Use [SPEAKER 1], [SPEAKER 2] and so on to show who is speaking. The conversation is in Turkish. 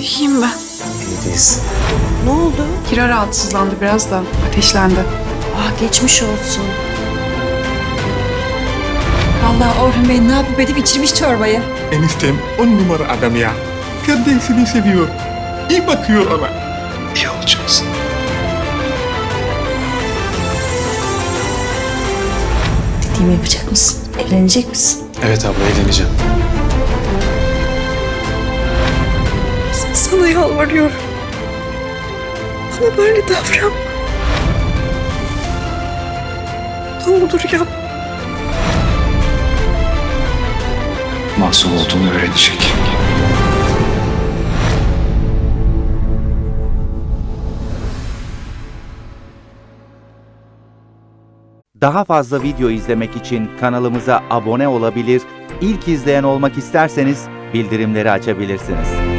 [SPEAKER 1] İyiyim ben.
[SPEAKER 2] İyi değilsin.
[SPEAKER 3] Ne oldu?
[SPEAKER 1] Kira rahatsızlandı biraz da ateşlendi.
[SPEAKER 3] Geçmiş olsun.
[SPEAKER 4] Vallahi Orhun Bey ne yapıp edip içirmiş çorbayı.
[SPEAKER 5] Eniştem 10 numara adam ya. Kardeşini seviyor. İyi bakıyor ona.
[SPEAKER 2] İyi olacaksın.
[SPEAKER 3] Dediğimi yapacak mısın? Evlenecek misin?
[SPEAKER 2] Evet abla, evleneceğim.
[SPEAKER 3] Sana yalvarıyorum. Bana böyle davran. Ne olur yap.
[SPEAKER 2] Masum olduğunu öğrenecek.
[SPEAKER 6] Daha fazla video izlemek için kanalımıza abone olabilir, ilk izleyen olmak isterseniz bildirimleri açabilirsiniz.